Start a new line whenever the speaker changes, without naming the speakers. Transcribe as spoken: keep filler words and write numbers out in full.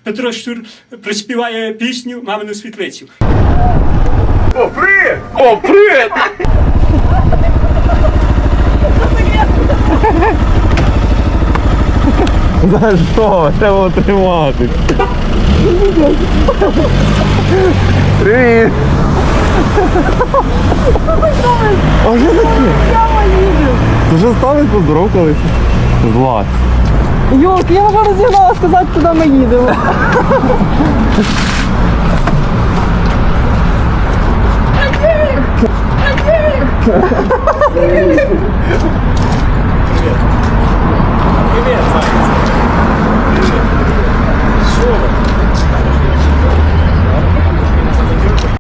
Петро Щур приспіває пісню «Мамину світлицю».
О, привіт! О, привіт!
За що? Треба тримати. Привіт! А що таке? Ти вже стали поздоровкалися? Злазь.
Йолки, я вже розігнала сказати, куди ми їдемо.
Привіт, Саш.